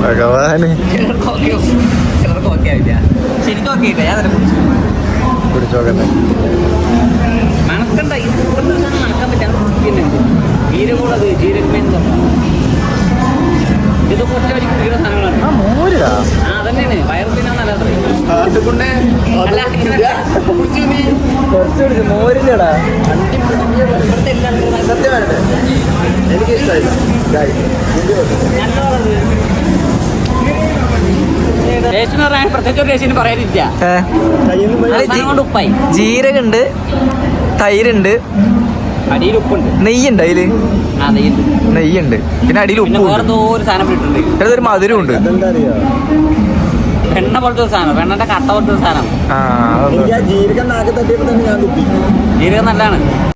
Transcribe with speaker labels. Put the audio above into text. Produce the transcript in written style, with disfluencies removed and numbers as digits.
Speaker 1: ഭഗവാന്
Speaker 2: ചിലർക്ക് ഓക്കെ ആവില്ല. ശരിക്കും ഓക്കെ ഇല്ല. ഞാൻ
Speaker 1: കുടിച്ചോക്കട്ടെ.
Speaker 2: മണക്കണ്ട, ഇത് മണക്കാൻ പറ്റാൻ പിന്നെ ജീരകമുള്ളത് ജീരകമേന്ന് ഇത് പൊറ്റ വരി കുടിക്കുന്ന സാധനങ്ങളാണ്.
Speaker 1: മോരാ
Speaker 2: അതന്നെയാണ് വയറത്തിനാ നല്ലത്.
Speaker 1: കുറച്ച് മോരില്ലടാ.
Speaker 2: ഇവിടുത്തെ എല്ലാ
Speaker 1: എനിക്ക് ഇഷ്ടമായില്ല.
Speaker 2: ടേസ്റ്റിന് പറയാൻ പ്രത്യേകിച്ച് ഒരു ടേസ്റ്റിന് പറയാനില്ല. കൊണ്ട് ഉപ്പായി
Speaker 1: ജീരകണ്ട്, തൈരുണ്ട്,
Speaker 2: അടിയിൽ ഉപ്പുണ്ട്,
Speaker 1: നെയ്യുണ്ട് അതില്. നെയ്യുണ്ട്, പിന്നെ അടിയിൽ ഉപ്പ്.
Speaker 2: വേറെന്തോ ഒരു സാധനം ഇട്ടിട്ടുണ്ട്.
Speaker 1: ഒരു മധുരം ഉണ്ട്.
Speaker 2: വെണ്ണ പോലത്തെ ഒരു സാധനം, വെണ്ണന്റെ കട്ട പോലത്തെ ഒരു സാധനം.
Speaker 1: ജീരകം നാക്ക് തട്ടിയപ്പോ തന്നെ ഞാൻ കുപ്പി.
Speaker 2: ജീരകം നല്ലതാണ്.